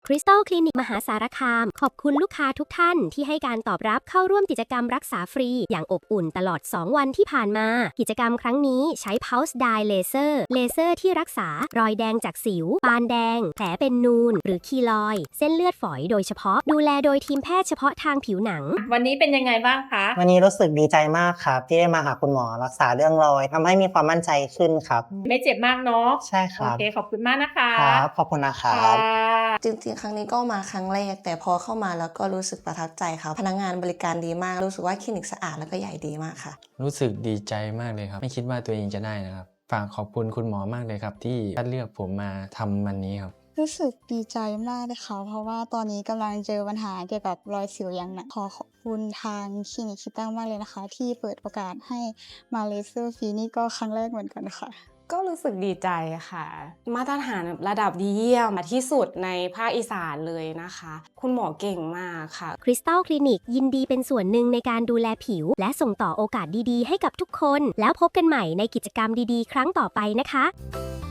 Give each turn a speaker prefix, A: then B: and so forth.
A: คริสตัลคลินิกมหาสารคามขอบคุณลูกค้าทุกท่านที่ให้การตอบรับเข้าร่วมกิจกรรมรักษาฟรีอย่างอบอุ่นตลอด 2 วันที่ผ่านมากิจกรรมครั้งนี้ใช้ Pulse Dye Laser เลเซอร์ที่รักษารอยแดงจากสิวปานแดงแผลเป็นนูนหรือคีลอยด์เส้นเลือดฝอยโดยเฉพาะดูแลโดยทีมแพทย์เฉพาะทางผิวหนัง
B: วันนี้เป็นยังไงบ้างคะ
C: วันนี้รู้สึกดีใจมากครับที่ได้มาหาคุณหมอรักษาเรื่องรอยทำให้มีความมั่นใจขึ้นครับ
B: ไม่เจ็บมากเนาะ
C: ใช่ครับ
B: โอเคขอบคุณมากนะคะ
C: ครับขอบคุณนะครับ
D: จริงๆครั้งนี้ก็มาครั้งแรกแต่พอเข้ามาแล้วก็รู้สึกประทับใจค่ะพนักงานบริการดีมากรู้สึกว่าคลินิกสะอาดแล้วก็ใหญ่ดีมากค่ะ
E: รู้สึกดีใจมากเลยครับไม่คิดว่าตัวเองจะได้นะครับฝากขอบคุณคุณหมอมากเลยครับที่คัดเลือกผมมาทำวันนี้ครับ
F: รู้สึกดีใจมากเลยค่ะเพราะว่าตอนนี้กำลังเจอปัญหาเกี่ยวกับรอยสิวอย่างหนักขอบคุณทางคลินิกคิดตั้งมากเลยนะคะที่เปิดโอกาสให้มาเลเซอร์ฟรีนี่ก็ครั้งแรกเหมือนกันค่ะ
G: ก็รู้สึกดีใจค่ะมาตรฐานระดับดีเยี่ยมที่สุดในภาคอีสานเลยนะคะคุณหมอเก่งมากค่ะ
A: คริสตัลคลินิกยินดีเป็นส่วนหนึ่งในการดูแลผิวและส่งต่อโอกาสดีๆให้กับทุกคนแล้วพบกันใหม่ในกิจกรรมดีๆครั้งต่อไปนะคะ